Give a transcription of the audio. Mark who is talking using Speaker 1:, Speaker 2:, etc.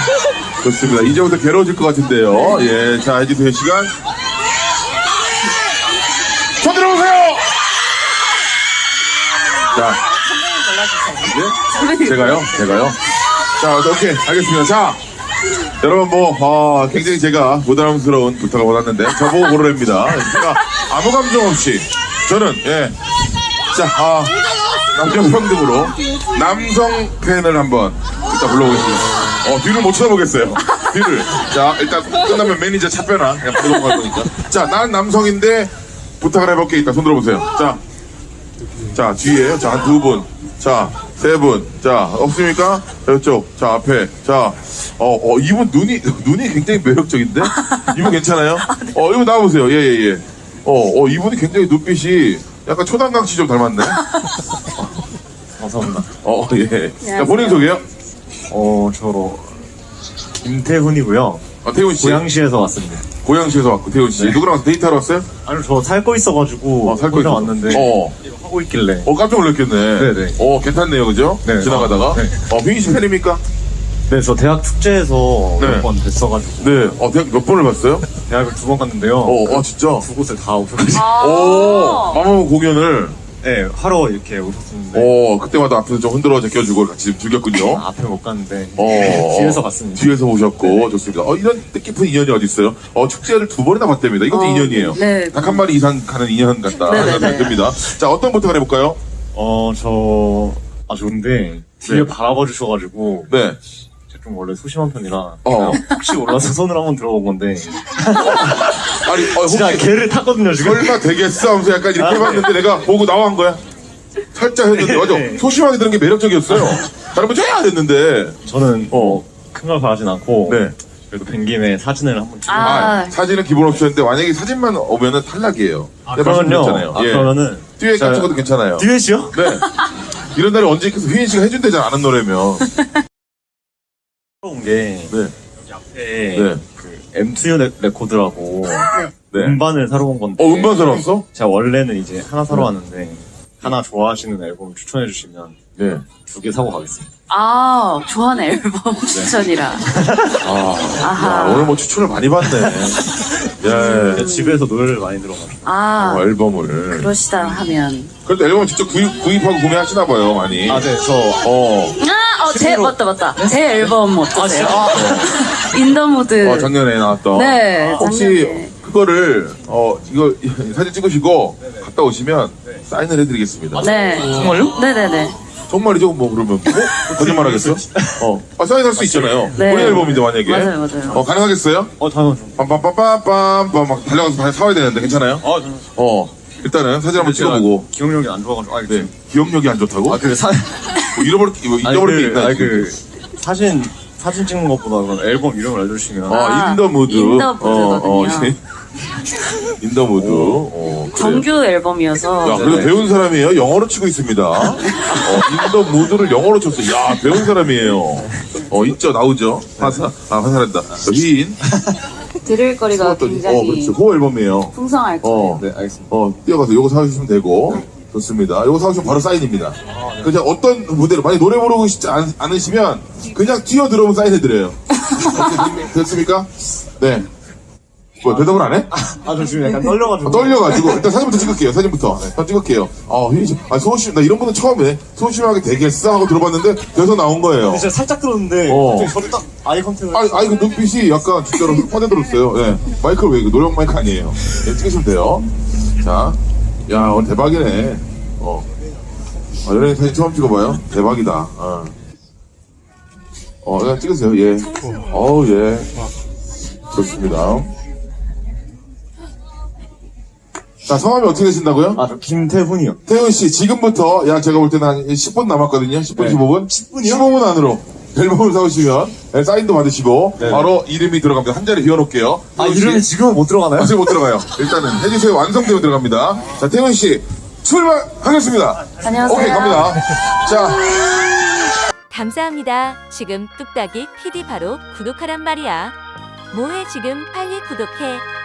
Speaker 1: 좋습니다. 이제부터 괴로워질 것 같은데요. 예, 자, 이제 될 시간. 손 들어보세요! 자. 네? 제가요? 자, 오케이. 알겠습니다. 자. 여러분, 굉장히 제가 부담스러운 부탁을 받았는데, 저보고 고르랍니다. 제가 아무 감정 없이, 저는, 예. 자, 남녀 평등으로 남성 팬을 한번 일단 불러보겠습니다. 뒤를 못 쳐다보겠어요. 뒤를. 자, 일단 끝나면 매니저 차 빼나. 그냥 부르고 갈 거니까. 자, 난 남성인데 부탁을 해볼게. 일단 손 들어보세요. 자, 뒤에. 자, 한 두 분. 자, 세 분. 자, 없습니까? 자, 이쪽. 자, 앞에. 자, 이분 눈이 굉장히 매력적인데? 이분 괜찮아요? 이분 나와보세요. 예. 이분이 굉장히 눈빛이 약간 초단강 씨 좀 닮았네?
Speaker 2: 감사합니다.
Speaker 1: 예. 자, 본인 소개요?
Speaker 2: 저 김태훈이고요.
Speaker 1: 태훈 씨.
Speaker 2: 고양시에서 왔습니다.
Speaker 1: 고양시에서 왔고, 태훈 씨.
Speaker 2: 네.
Speaker 1: 누구랑 와서 데이트하러 왔어요?
Speaker 2: 아니 저 살거 있어가지고
Speaker 1: 살거
Speaker 2: 혼자
Speaker 1: 있어서.
Speaker 2: 왔는데 이거 하고 있길래.
Speaker 1: 깜짝 놀랐겠네.
Speaker 2: 네네.
Speaker 1: 괜찮네요, 그죠?
Speaker 2: 네.
Speaker 1: 지나가다가.
Speaker 2: 네.
Speaker 1: 빙희 씨 팬입니까?
Speaker 2: 네, 저 대학 축제에서
Speaker 1: 네.
Speaker 2: 몇 번 뵀어가지고
Speaker 1: 네. 대학 몇 번을 봤어요?
Speaker 2: 대학을 2번 갔는데요.
Speaker 1: 진짜?
Speaker 2: 두 곳을 다 오셔가지고
Speaker 1: 마마무 공연을.
Speaker 2: 네, 하러 이렇게 오셨었는데
Speaker 1: 그때마다 앞에서 좀 흔들어 제껴주고 같이 즐겼군요.
Speaker 2: 앞에 못 갔는데
Speaker 1: 뒤에서
Speaker 2: 갔습니다.
Speaker 1: 뒤에서 오셨고, 좋습니다. 이런 뜻깊은 인연이 어디 있어요? 축제를 2번이나 봤답니다. 이것도 인연이에요.
Speaker 3: 네.
Speaker 1: 닭 한 마리 이상 가는 인연 같다.
Speaker 3: 네네네.
Speaker 1: 생각이 듭니다. 자, 어떤 부탁을 해볼까요?
Speaker 2: 좋은데 뒤에
Speaker 1: 네.
Speaker 2: 바라봐 주셔가지고
Speaker 1: 네.
Speaker 2: 제가 좀 원래 소심한 편이라 혹시 몰라서 손을 한번 들어본 건데
Speaker 1: 아니,
Speaker 2: 진짜
Speaker 1: 혹시
Speaker 2: 개를 탔거든요 지금.
Speaker 1: 설마 되겠어? 하면서 약간 이렇게 해봤는데 내가 보고 나와 한 거야? 살짝 했는데, 맞아. 소심하게 드는 게 매력적이었어요. 다른 분 쫙 했는데.
Speaker 2: 저는 큰 걸 바라진 않고
Speaker 1: 네.
Speaker 2: 그래도 뵌 김에 사진을 한번 찍고
Speaker 1: 사진은 기본 옵션인데 만약에 사진만 오면은 탈락이에요. 내가 말씀드렸잖아요. 예.
Speaker 2: 그러면은
Speaker 1: 듀엣 같은 것도 괜찮아요.
Speaker 2: 듀엣이요?
Speaker 1: 네. 이런 날이 언제 있겠어? 휘인 씨가 해준대잖아, 아는 노래면.
Speaker 2: 온 게
Speaker 1: 네.
Speaker 2: 여기 앞에
Speaker 1: 네.
Speaker 2: 그 M2 레코드라고
Speaker 1: 네.
Speaker 2: 음반을 사러 온 건데
Speaker 1: 음반 사러 왔어?
Speaker 2: 제가 원래는 이제 하나 사러 왔는데 하나 좋아하시는 앨범 추천해 주시면
Speaker 1: 네.
Speaker 2: 2개 사고 가겠습니다.
Speaker 3: 좋아하는 앨범 추천이라.
Speaker 1: 야, 오늘 추천을 많이 받네. 예.
Speaker 2: 집에서 노래를 많이 들어가지고
Speaker 1: 앨범을.
Speaker 3: 그러시다 하면.
Speaker 1: 그래도 앨범을 직접 구입하고 구매하시나 봐요, 많이.
Speaker 2: 네, 저
Speaker 3: 맞다. 제 앨범 어떠세요? 인더무드.
Speaker 1: 작년에 나왔던.
Speaker 3: 네,
Speaker 1: 혹시
Speaker 3: 작년에.
Speaker 1: 그거를, 이거 사진 찍으시고 갔다 오시면 사인을 해드리겠습니다.
Speaker 3: 네.
Speaker 2: 정말요?
Speaker 3: 네네네.
Speaker 1: 정말이죠? 그러면. 거짓말 하겠어? 사인할 수 있잖아요.
Speaker 3: 네.
Speaker 1: 본인 앨범인데, 만약에.
Speaker 3: 맞아요.
Speaker 1: 가능하겠어요?
Speaker 2: 당연하죠.
Speaker 1: 빰빰빰빰빰 막 달려가서 사와야 되는데, 괜찮아요?
Speaker 2: 당연하죠.
Speaker 1: 일단은 사진 한번 찍어보고.
Speaker 2: 기억력이 안 좋아가지고
Speaker 1: 네. 기억력이 안 좋다고? 잊어버릴 게 있나?
Speaker 2: 사진 찍는 것보다 그런 앨범 이름을 알려주시면
Speaker 1: 인더무드.
Speaker 3: 인더무드거든요.
Speaker 1: 인더무드. 그래요.
Speaker 3: 정규 앨범이어서.
Speaker 1: 야, 그래도 배운 사람이에요. 영어로 치고 있습니다. 인더무드를 영어로 쳤어. 야, 배운 사람이에요. 있죠, 나오죠. 화살한다. 휘인.
Speaker 3: 들을 거리가 굉장히
Speaker 1: 그렇죠. 그 앨범이에요.
Speaker 3: 풍성할 거예요.
Speaker 2: 네, 알겠습니다.
Speaker 1: 뛰어가서 요거 사주시면 되고. 좋습니다. 요거 사주시면 바로 사인입니다. 그냥 어떤 무대로, 만약 노래 부르고 싶지 않으시면, 그냥 뛰어 들어오면 사인해드려요. 됐습니까? 네. 대답을 안 해?
Speaker 2: 저 지금 약간 떨려가지고.
Speaker 1: 떨려가지고 일단 사진부터 찍을게요. 사진부터 찍을게요. 소심, 나 이런 분은 처음에 소심하게 되겠어 하고 들어봤는데 돼서 나온 거예요.
Speaker 2: 진짜 살짝 들었는데 갑자기 저를 딱 아이 컨택을.
Speaker 1: 그 눈빛이 약간 진짜로 뻔해들었어요. 예. 마이크를 왜 노력 마이크 아니에요. 예, 찍으시면 돼요. 자, 야 오늘 대박이네. 연예인 사진 처음 찍어봐요. 대박이다. 그냥 찍으세요. 예. 예. 좋습니다. 자, 성함이 어떻게 되신다고요?
Speaker 2: 저 김태훈이요.
Speaker 1: 태훈 씨, 지금부터, 제가 볼 때는 한 10분 남았거든요. 10분,
Speaker 2: 네.
Speaker 1: 15분?
Speaker 2: 10분이요?
Speaker 1: 15분 안으로 앨범을 사오시면, 사인도 받으시고,
Speaker 2: 네.
Speaker 1: 바로 이름이 들어갑니다. 한 자리 비워놓을게요. 태훈 씨.
Speaker 2: 이름이 지금은 못 들어가나요?
Speaker 1: 아직 못 들어가요. 일단은 해주세요. 완성되면 들어갑니다. 자, 태훈 씨, 출발하겠습니다.
Speaker 3: 안녕하세요.
Speaker 1: 오케이, 갑니다. 자.
Speaker 4: 감사합니다. 지금 뚝딱이 PD 바로 구독하란 말이야. 뭐해 지금 빨리 구독해.